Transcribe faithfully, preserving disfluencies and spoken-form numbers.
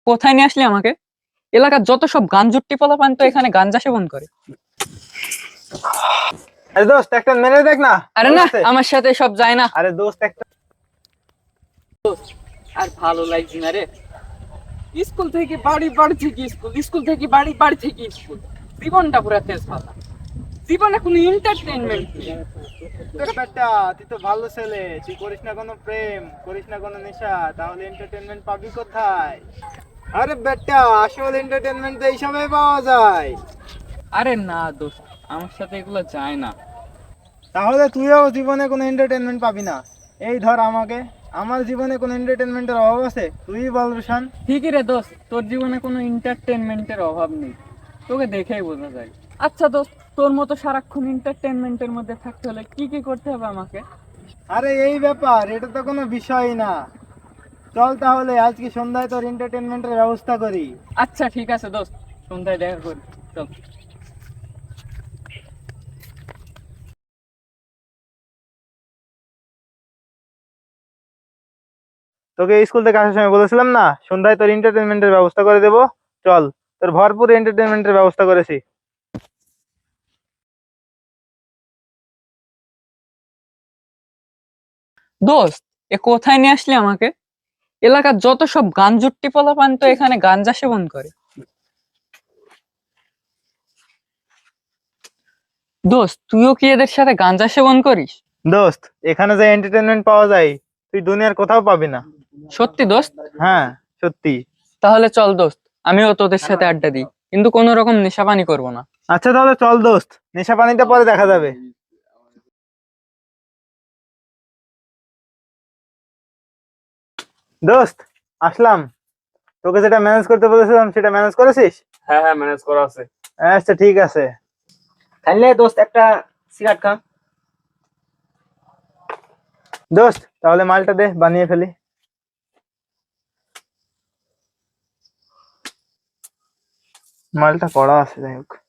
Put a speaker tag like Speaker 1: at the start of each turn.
Speaker 1: কোথায় নিয়ে আসলি আমাকে? এলাকার যত সব গাঞ্জুট্টি পোলাপান তো এখানে গাঞ্জা সেবন করে।
Speaker 2: আরে দোস্ত একটা মেরে দেখ না।
Speaker 1: আরে না, আমার সাথে সব যায় না।
Speaker 2: আরে দোস্ত একটা
Speaker 1: আর ভালো লাগছে না রে। স্কুল থেকে বাড়ি, বাড়ি থেকে স্কুল, স্কুল থেকে বাড়ি, বাড়ি থেকে স্কুল, জীবনটা পুরো তেজ পাতা। জীবনে কোনো এন্টারটেইনমেন্ট নেই।
Speaker 2: বেটা, তুই তো ভালো ছেলে, তুই করিস না কোনো প্রেম, করিস না কোনো নেশা, তাহলে এন্টারটেইনমেন্ট পাবি কোথায়? আরে বেটা, আসল এন্টারটেইনমেন্ট তো এইসবে পাওয়া যায়।
Speaker 1: আরে না দোস্ত, আমার সাথে এগুলো যায় না।
Speaker 2: তাহলে তুইও জীবনে কোনো এন্টারটেইনমেন্ট পাবি না। এই ধর আমাকে, আমার জীবনে কোনো এন্টারটেইনমেন্টের অভাব আছে? তুই বল রুশান।
Speaker 1: ঠিকই রে দোস্ত, তোর জীবনে কোনো এন্টারটেনমেন্টের অভাব নেই, তোকে দেখেই বোঝা যায়। আচ্ছা দোস্ত, তোর মতো সারাক্ষণ এন্টারটেনমেন্টের মধ্যে থাকতে হলে কি কি করতে হবে আমাকে?
Speaker 2: আরে এই ব্যাপার, এটা তো কোনো বিষয়ই না। চল তাহলে আজকে সন্ধ্যায় তোর এন্টারটেইনমেন্টের ব্যবস্থা করি।
Speaker 1: আচ্ছা ঠিক আছে দোস্ত, সন্ধ্যায় দেখা করি, চল।
Speaker 2: তোকে স্কুল থেকে আসার সময় বলেছিলাম না, সন্ধ্যায় তোর এন্টারটেইনমেন্টের ব্যবস্থা করে দেবো। চল, তোর ভরপুর এন্টারটেইনমেন্টের ব্যবস্থা করেছি।
Speaker 1: দোস্ত, এ কোথায় নিয়ে আসলি আমাকে? এলাকার যত সব গাঞ্জুট্টি পোলাপান তো এখানে গাঞ্জা সেবন করে। দোস্ত, তুইও কি এদের সাথে গাঞ্জা সেবন করিস?
Speaker 2: দোস্ত, এখানে যে এন্টারটেইনমেন্ট পাওয়া যায় তুই দুনিয়ার কোথাও পাবি না।
Speaker 1: সত্যি দোস্ত?
Speaker 2: হ্যাঁ, সত্যি।
Speaker 1: তাহলে চল দোস্ত, আমিও তোদের সাথে আড্ডা দিই, কিন্তু কোনো রকম নেশাপানি করবো না।
Speaker 2: আচ্ছা তাহলে চল দোস্ত, নেশা পানিটা পরে দেখা যাবে। দোস্ত, আসলাম। তোকে যেটা ম্যানেজ করতে বলেছিলাম সেটা ম্যানেজ করেছিস?
Speaker 3: হ্যাঁ হ্যাঁ ম্যানেজ করা আছে।
Speaker 2: আচ্ছা ঠিক আছে।
Speaker 3: তাহলে দোস্ত একটা সিগারেট খা।
Speaker 2: দোস্ত তাহলে মালটা দে, বানিয়ে ফেলি। মালটা কড়া আছে, যাই হোক।